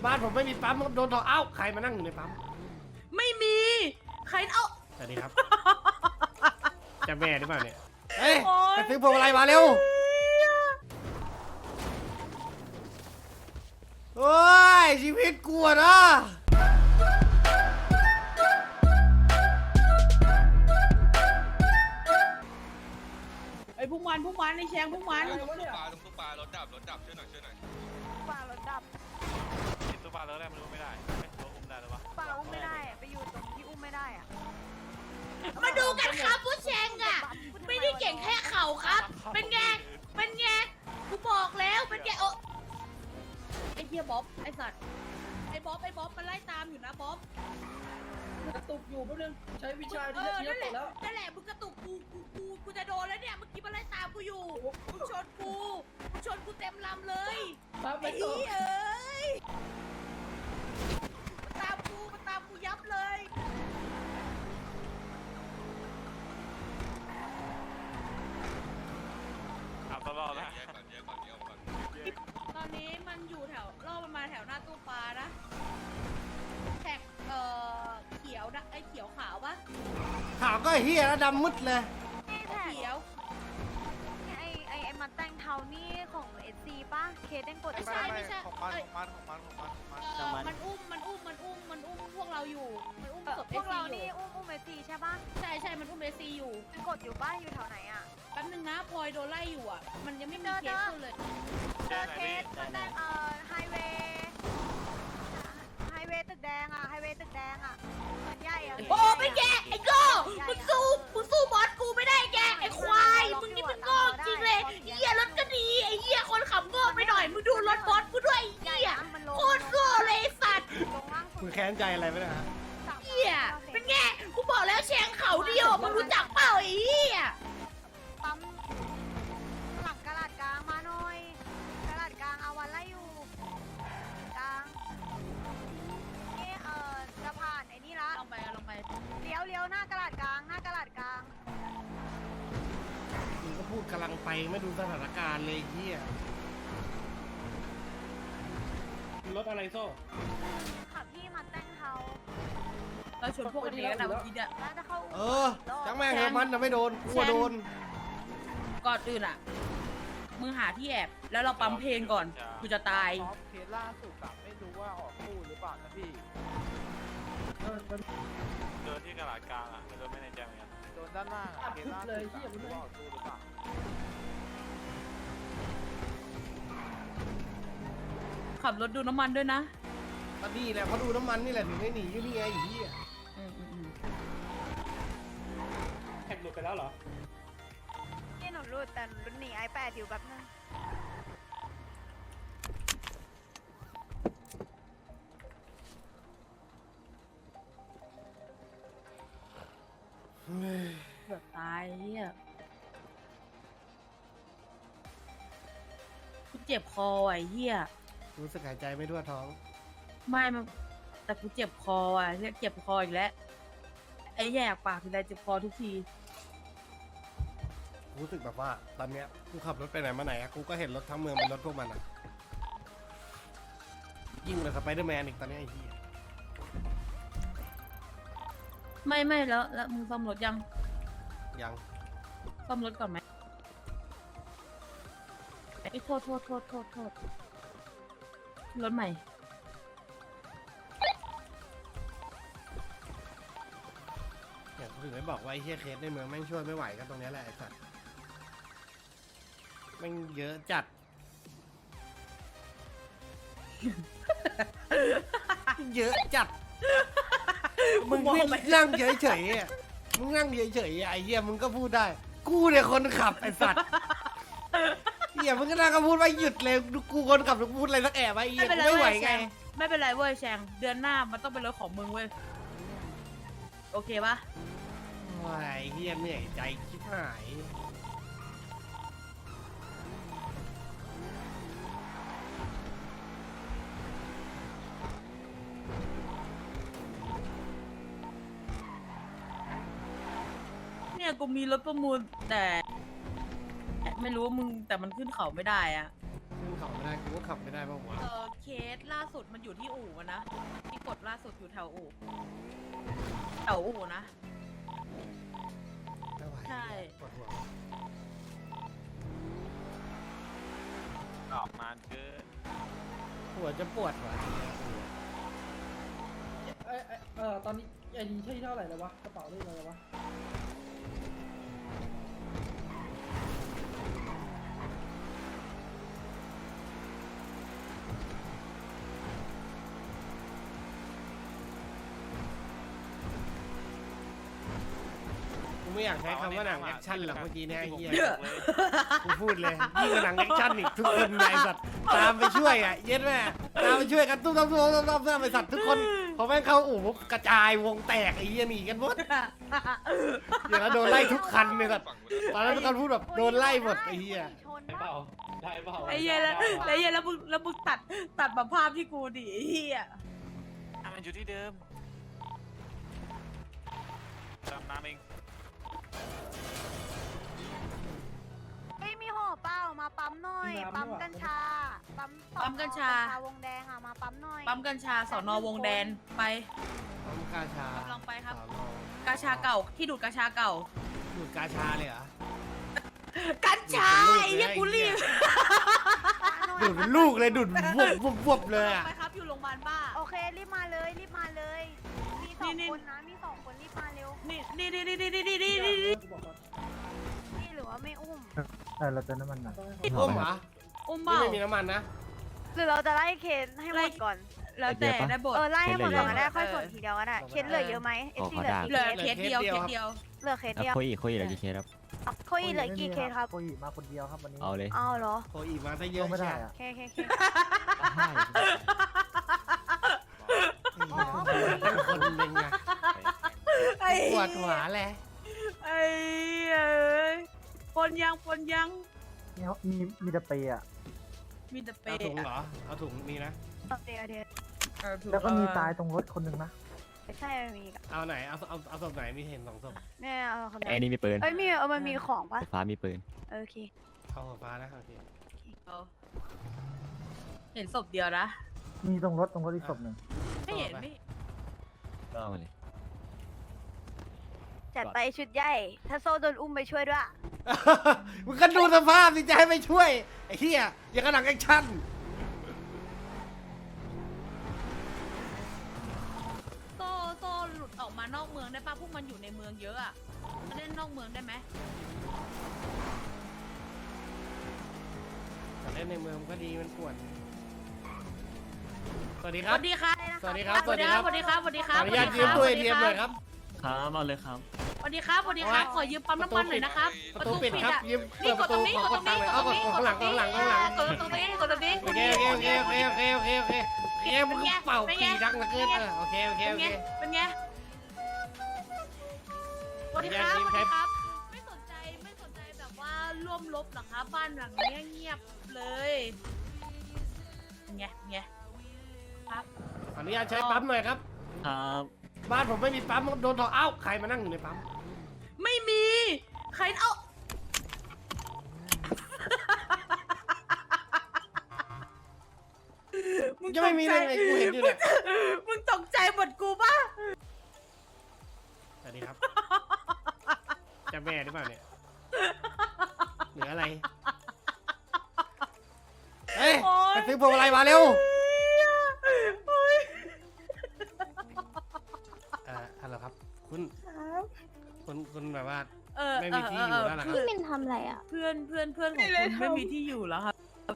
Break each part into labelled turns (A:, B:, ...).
A: บ้านผมไม่มีปั๊มครับโดนถอดเอ้าใครมานั่งอยู่ในปั๊ม
B: ไม่มีใครเอา
A: สวัสดีครับจะแม่หรือเปล่าเนี่ยเฮ้ยไปซื้อพวงมาลัยมาเร็วโอ้ยชีวิตกลัวนะ
B: ไอ้พวกมันไอ้แชงพวกมัน
C: ตรงตู้ปลารถดับช่วยหน่อย
D: ปลารถดับ
E: ตู้ปลาแล้วแรกมันรู้ไม่ได้ตัวอุ้มได้หรือวะ
D: ปลาอุ้มไม่ได้อะไปอยู่ตรงที่อุ้มไม่ได้อะ
B: มาดูกันครับผู้แชงอ่ะไม่ได้เก่งแค่เข่าครับเป็นไงกูบอกแล้วเป็นไงโอ้ไอ้เหี้ยบ๊อบไอ้สัตว์ไอ้บ๊อบมันไล่ตามอยู่นะบ๊อบ
F: กระตุกอยู่แป๊บนึงใช้วิชาที่จะเทียบแล้ว
B: นั่นแหละมึงกระตุกกูจะโดนแล้วเนี่ยเมื่อกี้มันไล่ตามกูอยู่มึงชนกูเต็มลำเลย
F: ปั๊บไป
B: ไอ้
F: ต่อ
B: เหี้ยเอ้ยมันตามกูยับเลย
E: เอาตลอดนะ
C: แยกก่อน
B: ตอนนี้มันอยู่แถวรอบมันมาแถวหน้าตู้ปลานะแท็กเขียวนะไอ้เขียวขาวปะ
A: ขาวก็เฮียแล้วดำมืดเลย
D: นี่แท็ก
B: เขียว
D: ไอ้มันแต่งเทานี่ของเอซีป่ะเคสเด้งกด
B: ไม่
D: ป่ะ
B: ใช่ไม่ใช่
E: ของมัน
B: มันอุ้มพวกเราอยู่มันอุ้มศพ
D: พวกเรา
B: อ
D: นี่
B: ยู่
D: อุ้มเอซีใช่ป่ะ
B: ใช่มันอุ้มเอซีอยู่
D: เป็นกดอยู่ป่ะอยู่แถวไหนอะ
B: แป๊บนึงนะพลอยโดนไล่อยู่อ่ะมันยังไม่มีเคสขึ้นเลย
D: เจอเคสมันแต่งไฮเวย์ตึกแดงอะไฮเวย์ตึกแดงอะมันใหญ่อะ
B: โอ้ไม่แกไอ้โก้มึงสู้บอสกูไม่ได้แกไอ้ควายมึงนี่มึงโง่จริงเลยเหี้ยรถก็ดีไอ้เหี้ยคนขับโง่ไปหน่อยมึงดูรถบอสกูด้วยไอ้เหี้ยโคตรโง่เลยไอ้สัตว์
D: ลงล่างสุ
A: มึ
D: ด
A: งแค้นใจอะไรไหมนะฮะ
B: เหี้ยเป็นไงกูบอกแล้วแชงเขาเดียวมึงรู้จักเปล่าไอ้เหี้ย
D: ปั๊มหลังกระดาษกลางมาหน่อยกระดาษกลางเอาวันไล่อยู่กลางนี่จะผ่านไอ้นี่ละ
B: ลองไป
D: เลี้ยวหน้ากระดาษกลาง
A: มึงก็พูดกำลังไปไม่ดูสถานการณ์เลยเฮียรถอะไรโซ่
D: ขับพี่มาแต่งเทา
B: เราชวนพวกนี้กันนะเมื่อกี้เนี่ย
D: แล้วจะเข้า
A: จังแม่งเถอะมันจะไม่โดนกลัวโดน
B: ก่อนอื่นอ่ะมึงหาที่แอบแล้วเราปั๊มเพลงก่อนกูจะตาย
E: เคสล่าสุดอะไม่รู้ว่าออกคู่หรือเปล่านะพี่เจอที่กระดาษกลางอะไม่รู้ไม่แน่ใจเหมือนกันโดนด้านล่างอะเคสล่าสุดไม่รู้ว่าออกคู่หรือเปล่า
B: ขับรถดูน้ำมันด้วยนะ
A: ก็ดีแหละเพราะดูน้ำมันนี่แหละถึงได้หนีอยู่นี่ไงไอ้เหี้ย
E: แท็กหลุดไปแล้วเหรอ
D: นี่หนูรูดแต่หนูหนีไอแปดอยู่แบบนึง
B: เกือบตายเฮียกูเจ็บคอไอ้เฮีย
A: รู้สึกหายใจไม่ทั่วท้อง
B: ไม่มันแต่กูเจ็บคออ่ะเรียกเจ็บคออีกแล้วไอ้แยกปากทีไรเจ็บคอทุกที
A: รู้สึกแบบว่าตอนเนี้ยกูขับรถไปไหนมาไหนอะกูก็เห็นรถทั้งเมืองเป็นรถพวกมันอะยิ่งกว่าสไปเดอร์แมนอีกตอนเนี้ยไอ้เหี้ย
B: ไม่แล้วมึงซ่อมรถยัง
A: ยัง
B: ซ่อมรถก่อนไหมไอ้โทษรถใหม่
A: เนี่ยกูถึงได้บอกว่าไอ้เหี้ยเคสในเมืองแม่งช่วยไม่ไหวก็ตรงเนี้ยแหละไอ้สัสแม่งเยอะจัด เยอะจัด มึงนั่งเฉยๆอ่ะมึงนั่งเฉยๆอ่ะไอ้เหี้ยมึงก็พูดได้ กูเนี่ยคนขับไอ้สัตว์เหี้ยมึงก็นั่งก็พูดว่าหยุดเลยกูคนขับพูดอะไรสักแอบไอ้เหี้ยกูไม่ไหวไง
B: ไม่เป็นไรเว้ยแชงเดือนหน้ามันต้องเป็นรถของมึงเว้ยโอเคปะ
A: โอ้ยเหี้ยเหนื่อยใจชิบหาย
B: เนี่ยกูมีรถประมูลแต่ไม่รู้ว่ามึงแต่มันขึ้นเขาไม่ได้อะ
A: ขึ้นขับไม่ได้กูก็ขับไม่ได้ป่าววะ
B: เคสล่าสุดมันอยู่ที่อู่นะที่กดล่าสุดอยู่แถวอู่นะ
A: ไม่ไหว
B: ใช่
A: ปวดหัว
E: ออกนานเกิน
A: หัวจะปวดว่ะ
F: ตอนนี้ไอ้นี่ที่เท่าไหร่แล้ววะกระเป๋าเลขอะไรวะ
A: กูไม่อยากใช้คำว่าหนังแอคชั่นหรอกเมื่อกี้เนี่ยไอ้เหี้ย
E: เลย
A: กูพูดเลยยิ่งกว่าหนังแอคชั่นอีกทุกคนไอ้สัตว์ตามไปช่วยอ่ะเย็ดแม่ตามไปช่วยกันตุ้มไอ้สัตว์ทุกคนพอแม่งเข้าอู่ปุ๊บกระจายวงแตกไอ้เหี้ยหนีกันหมดอย่างนั้นโดนไล่ทุกคันเลยสัตว์ ตอนนั้นทุกคนพูดแบบโดนไล่หมดไอ้เหี้ย
D: ชนปะ
B: ไอ้เหี้ยแล้วมึงตัดมาภาพที่กูดิไอ้เหี้ย
E: มันอยู่ที่เดิมจำน้ำเอง
D: เฮ้ยมีห่อเปล่ามาปั๊มหน่อย ปั๊มกัญชา ปั๊มกัญชาวงแดงอ่ะมาปั๊มหน่อย
B: ปั๊มกัญชาสอนอวงแดนไป
A: ปั๊มกาชาก
B: ำลังไปครับ
A: สอนอก
B: าชาเก่าที่ดูดกาชาเก่า
A: ดูดกาชาเลยเหรอ
B: กัญชาไอ้เหี้ยกูรีบ
A: ดูดเป็นลูกเลยดูดวบเลยอ่ะ
B: ไปครับอยู่โรงพยาบาลบ้า
D: โอเครีบมาเลยรีบมาเลย มีสอง
B: นี่
D: คนนะมีสองคนรีบมาเร็ว
B: นี่
F: กูบอกก่อน
D: นี่หรือว่าไม่อุ้ม
G: เราเติมน้ำมันหน่อย
A: อุ้มเหรอ
B: อุ้ม
A: นี่
B: เบ้า
A: ไม่มีน้ำมันนะ
D: หรือเราจะไล่เคนให้หมดก่อน
B: แล้วแต่ได้บท
D: ไล่ให้หมดก่อนก็ได้ค่อยส่วนทีเดียวก็ได้เคนเหลือเยอะไหมเอฟซีเหลือ
B: เหลือ
D: กี่
B: เคสเดียว
D: เหลือเคสเดียว
G: คุยเหลือกี่เคสครับ
D: คุยเหลือกี่เคสครับ
G: คุยมาคนเดียวครับวันนี้
H: เอาเลย
D: อ้าวเหรอ
A: โคอีมาซะเยอะ
G: ไม่ได้
A: ใช่
G: อะ
D: เคเค
A: เป็นคนหนึ่งอะปวดหัวแหละ
B: ไอ้ปนยัง
G: เนี่ยมีตะเปียะ
B: มีแต่เป
A: เอาถุงเหรอเอาถุงมีนะ
D: เดี๋ยว
G: แล้วก็มีตายตรงรถคนหนึ่งนะ
D: ใช่มีอีก
A: เอาไหนเอาศพไหนมีเห็น2 ศพ
D: เนี่ยเอาคน
H: ไอ้นี่มีปืน
D: เอ้ยมีมันมีของปะ
H: ไฟฟ้ามีปืน
D: โอเค
A: เอาหัวฟ้านะโอเค
B: เห็นศพเดียวนะ
G: มีตรงรถอีกศพหนึ่ง
B: ไม่เห็นไม่
H: ก็เอามาเลย
D: จัดไปชุดใหญ่ ถ้าโซ่โดนอุ้มไปช่วยด้วย
A: มึงก็ดูสภาพสิจะให้ไปช่วยไอ้เหี้ยอย่างกับหนังแอคชั่น
B: โซ่หลุดออกมานอกเมืองได้ป่ะพวกมันอยู่ในเมืองเยอะอะมาเล่นนอกเมืองได้ไหม
A: แต่เล่นในเมืองมันก็ดีมันปวดสวัสดี
B: ส
A: ครับ
B: วัสดีครับ
A: สวัสดีครับ
B: สวัสดีครับสวัสดีครับสวัสดีค
A: ข
B: รั
A: อบ อนุญาตยืมตู้ ATM หน่อยครับ
H: ครับเอาเลยครับ
B: สวัสดีครับสวัสดีครับขอยืมปั๊มน้ำมันหน่อยนะครับ
A: ประตูปิดครับ
B: อะ
A: ยืมเปิดประตูขอกดตังค์หน่อยเอากดข้างหลัง
B: กดตรงนี้
A: โอเคโอเคมึงเป่าปีดังเหลือเกินโอเค
B: เป็นไงสวัสดีครับสวัสดีครับไม่สนใจแบบว่าร่วมรบหรอครับบ้านหลังนี้เงียบเลยไงครับ
A: ขออนุญาตใช้ปั๊มหน่อยครับ
H: ครับ
A: บ้านผมไม่มีปั๊มโดนถอดเอ้าใครมานั่งอยู่ในปั๊ม
B: ไม่มีใครเอามึง
A: จะไม่มีได้ไงกูเห็นอยู่เนี่ย
B: มึงตกใจหมดกูป่ะ
A: สวัสดีครับจะแม่หรือเปล่าเนี่ยเหลืออะไรเฮ้ยไปซื้อพวงอะไรมาเร็วฮัลโหลครับคุณแบบว่า ไม่มีที่อยู่แล้วเหรอครับ
D: พี่มินทำอะไรอ่ะ
B: เพื่อนของคุณไม่มีที่อยู่แล้วครับ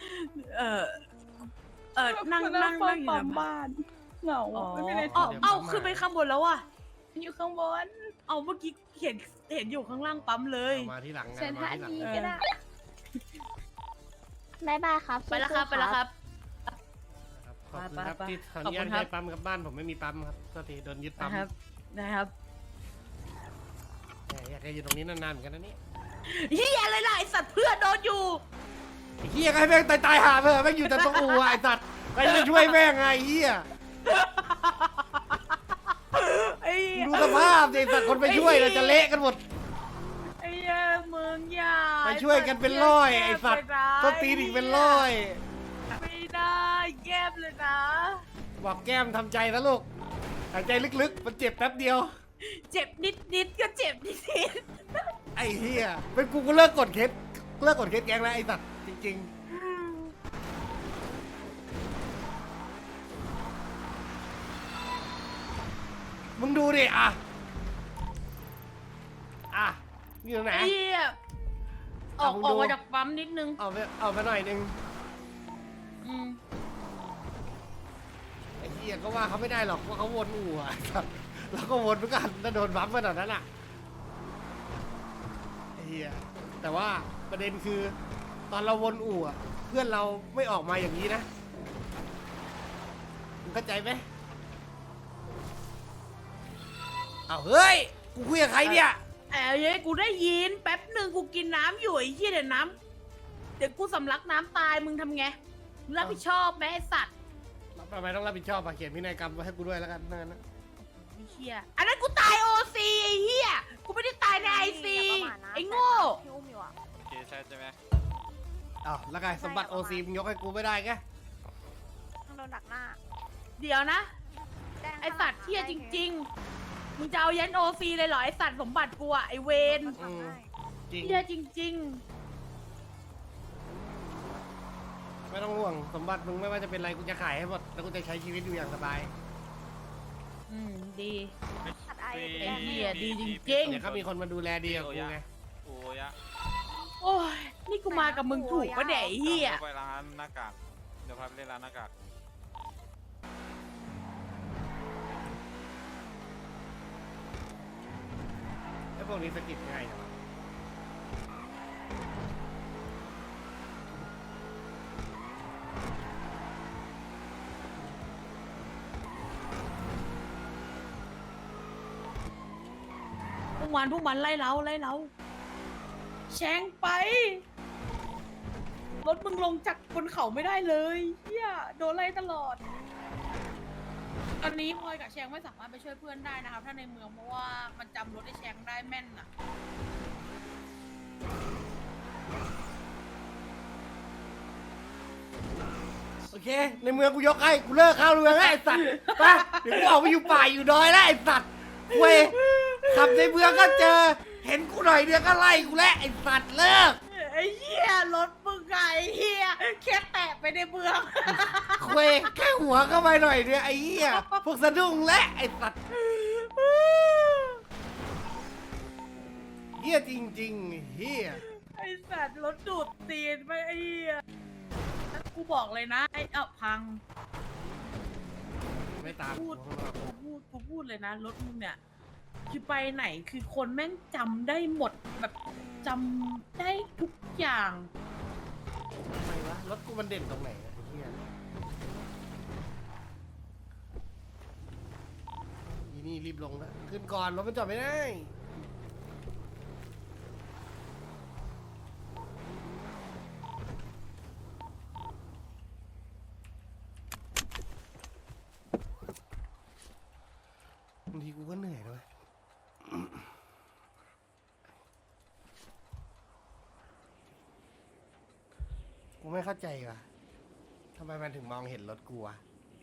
B: นั่งอยู่ในบ้าน
F: เหงา
B: อ๋อ
F: ไม่มีอะไร
B: เอ้าขึ้นไปข้างบนแล้วอ่ะ
F: อยู่ข้างบน
B: เอาเมื่อกี้เห็นอยู่ข้างล่างปั๊มเลย
A: มาที่หลังนะ
F: เชิญ
A: มา
F: ท่า
A: ที่หลัง
F: นี้ก็ได้
D: บายบายครับ
B: ไปแล้วครับไปแล้วครับ
A: ขอบคุณครับ
B: ไป
A: ที่ขออ
B: ขอบ
A: นุ
B: คุ
A: ญาต
B: ณครับ
A: ให้ปั๊มกับบ้านผมไม่มีปั๊มครับโทษทีโดนยึดปั๊ม
B: นะครับ
A: อยากจะอยู่ตรงนี้นานๆเหมือนกันนะนี่
B: เฮียอะไรล่ะไอสัตว์เพื่อนโดนอยู่
A: ไอ้เฮียก็ให้แม่งตายหาเถอะแม่งอยู่แต่ตรงอู่อะไอ้สัตว์ใครจะช่วยแม่งไงไอ้เฮีย
B: ไอ้
A: ดูสภาพสิไอ้สัตว์คนไปช่วยเราจะเละกันหมด
B: ไอ้เมืองยา
A: ไปช่วยกันเป็นร้อยไอ้สัตว์ต้นตีนอีกเป็นร้อย
B: แก้มเลยนะ
A: บอกแก้มทำใจนะลูกหายใจลึกๆมันเจ็บแป๊บเดียว
B: เจ็บนิดก็เจ็บนิด
A: ไอ้เหี้ยเป็นกูก็เลิกกดเคสแก๊งแล้วไอ้สัตว์จริงๆมึงดูดิอ่ะอยู่ไหน
B: ไอ้เหี้ยออกมาจากปั๊มนิดนึง
A: เอาไปหน่อยนึง
B: อืม
A: ไอ้เหี้ยก็ว่าเขาไม่ได้หรอกว่าเขาวนอู่อ่ะครับแล้วก็วนเหมือนกันถ้าโดนบัฟขนาดนั้นอ่ะไอ้เหี้ยแต่ว่าประเด็นคือตอนเราวนอู่อ่ะเพื่อนเราไม่ออกมาอย่างนี้นะมึงเข้าใจไหมเอาเฮ้ยกูคุยกับใครเนี่ย
B: เย้ยกูได้ยินแป๊บหนึ่งกูกินน้ำอยู่ไอ้เหี้ยเดี๋ยวกูสำลักน้ำตายมึงทำไงมึงรับผิดชอบไหมไอ้สัตว์
A: ทำไมต้องรับผิดชอบอ่ะเขียนพินัยกรรมไว้ให้กูด้วยแล้วกันนั่นนะ
B: ไอ้เหี้ยอันนั้นกูตายโอซีไอ้เหี้ยกูไม่ได้ตายในไอซีไอ้โง่
D: พี่อุ้มอยู่อ่ะ
E: โอเคใช่ไหม
A: อ้าวแล้วไงสมบัติโอซีมึงยกให้กูไม่ได้ไง
D: ต้องโดนดักหน้า
B: เดี๋ยวนะ
D: แจ้ง
B: ไอสัตว์เหี้ยจริง ๆ มึงจะเอายันโอซีเลยเหรอไอสัตว์สมบัติกูอะไอเวน
D: ทำได้
A: จริง
B: เหี้ยจริง
A: ไม่ต้องห่วงสมบัติมึงไม่ว่าจะเป็นอะไรกูจะขายให้หมดแล้วกูจะใช้ชีวิตอยู่อย่างสบาย
B: ดี
D: ขัดไอ
B: ไอ้เหี้ยดีจริง
A: เดี๋ยวเขามีคนมาดูแลดีกับกูไง
E: โอ้ยะ
B: โอ้ยนี่กูมากับมึงถูกปะเนี่ยไอ้เหี้ย
E: ไปร้านหน้ากากเดี๋ยวพาไปเล่นร้านหน้ากาก
A: แล้วพวกนี้สกิดง่ายเหรอ
B: พวกมันไล่เราแชงไป รถมึงลงจากบนเขาไม่ได้เลยเฮียโดนไล่ตลอด ตอนนี้พลอยกับแชงไม่สามารถไปช่วยเพื่อนได้นะครับ ถ้าในเมืองเพราะว่ามันจำรถไอ้แชงได้แม่นอะ
A: โอเค ในเมืองกูยกให้กูเลิกเข้าเมืองแล้วไอ้สัตว์ไปเดี๋ยวกูออกไปอยู่ป่าอยู่ดอยแล้วไอ้สัตว์เว้ยขับในเมืองก็เจอ เห็นกูหน่อยเดียวก็ไล่กูแล้วไอ้สัตว์เลิก
B: ไอ้เหี้ยรถมึงไงเหี้ยแค่แตะไปในเมือง
A: เว้ยแค่หัวเข้าไปหน่อยเดียวไอ้เหี้ยพวกสะดุ้งและไอ้สัตว์เหี้ยจริงๆเหี้ย
B: ไอ้สัตว์รถดูดตีนไปไอ้เหี้ยกูบอกเลยนะไอ้พัง
A: ไม่ตาม
B: พูดเลยนะรถมึงเนี่ยคือไปไหนคือคนแม่งจำได้หมดแบบจำได้ทุกอย่าง
A: ทำไมวะรถกูมันเด่นตรงไหนอะไอ้เหี้ยอีนี่รีบลงนะขึ้นก่อนรถมันจอดไม่ได้บางทีกูก็เหนื่อยด้วย กูไม่เข้าใจว่ะทำไมมันถึงมองเห็นรถกูวะ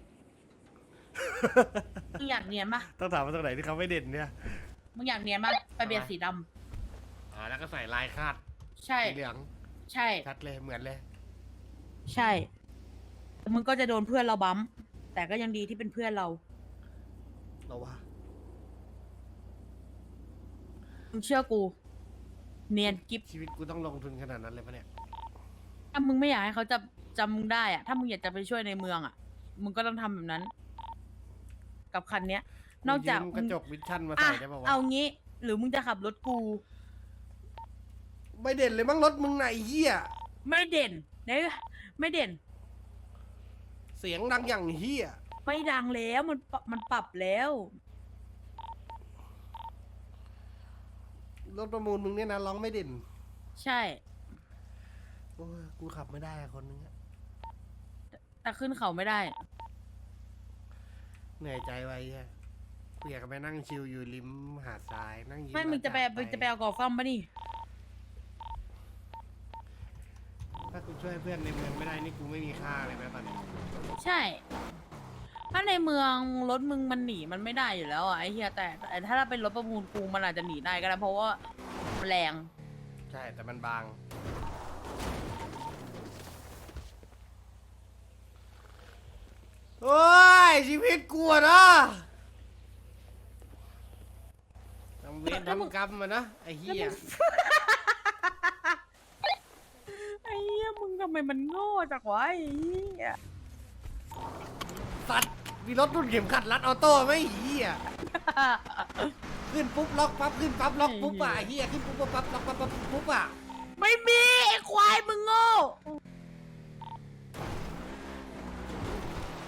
B: มึงอยากเนียนปะ
A: ต้องถามว่าตรงไหนที่เขาไม่เด่นเนี่ย
B: มึงอยากเนียนปะไปเบียร์สีด
A: แล้วก็ใส่ลายคาด
B: ำใช่
A: สีเหลือง
B: ใช่
A: ชัดเลยเหมือนเลย
B: ใช่แต่มึงก็จะโดนเพื่อนเราบั๊มแต่ก็ยังดีที่เป็นเพื่อนเรา
A: เราว่า
B: มึงเชื่อกู เนียนกิฟ
A: ชีวิตกูต้องลงทุนขนาดนั้นเลยปะเนี่ย
B: ถ้ามึงไม่อยากให้เขาจำมึงได้อะถ้ามึงอยากจะไปช่วยในเมืองอะมึงก็ต้องทำแบบนั้น กับคันเนี้ย นอกจาก
A: ยืมกระจกวิชั่นมา
B: อ่ะ
A: ใส่ได้ปะวะ
B: เอางี้ หรือมึงจะขับรถกู
A: ไม่เด่นเลยมั้งรถมึงไหนะไอ้เหี้ย
B: ไม่เด่นเนี่ยไม่เด่น
A: เสียงดังอย่างเหี้ย
B: ไม่ดังแล้วมันปรับแล้ว
A: รถประมูลมึงเนี่ยนะร้องไม่เด่น
B: ใช่
A: โอ้ยกูขับไม่ได้อะคนนึงอะ
B: แต่ขึ้นเขาไม่ได้
A: เหนื่อยใจไว้อะกูอยากจะไปนั่งชิลอยู่ริมหาดทรายนั่งยิ้ม
B: ไม่มึงจะไป
A: อากาศ
B: เอากอล์ฟฟัมปะนี่
A: ถ้ากูช่วยเพื่อนในเมืองไม่ได้นี่กูไม่มีค่าเลยนะตอนนี้
B: ใช่ ถ้าในเมืองรถมึงมันหนีมันไม่ได้อยู่แล้วอะไอ้เฮียแต่ถ้าเป็นรถประมูลกูมันอาจจะหนีได้ก็ได้เพราะว่ามันแรง
A: ใช่แต่มันบางโอ้ยชีวิตกูอะเนาะทำเวรทำกรรมมานะไอ้เหี้ย
B: ไอ้เหี้ยมึงทำไมมันโง่จังวะไอ้เหี้ย
A: สัตว์มีรถรุ่นเข็มขัดรัดออโต้ไหมไอ้เหี้ยขึ้นปุ๊บล็อกปั๊บขึ้นปั๊บล็อกปุ๊บอ่ะไอ้เหี้ยขึ้นปุ๊บปั๊บล็อกปั๊บปุ๊บอ่ะ
B: ไม่มีไอ้ควายมึงโง่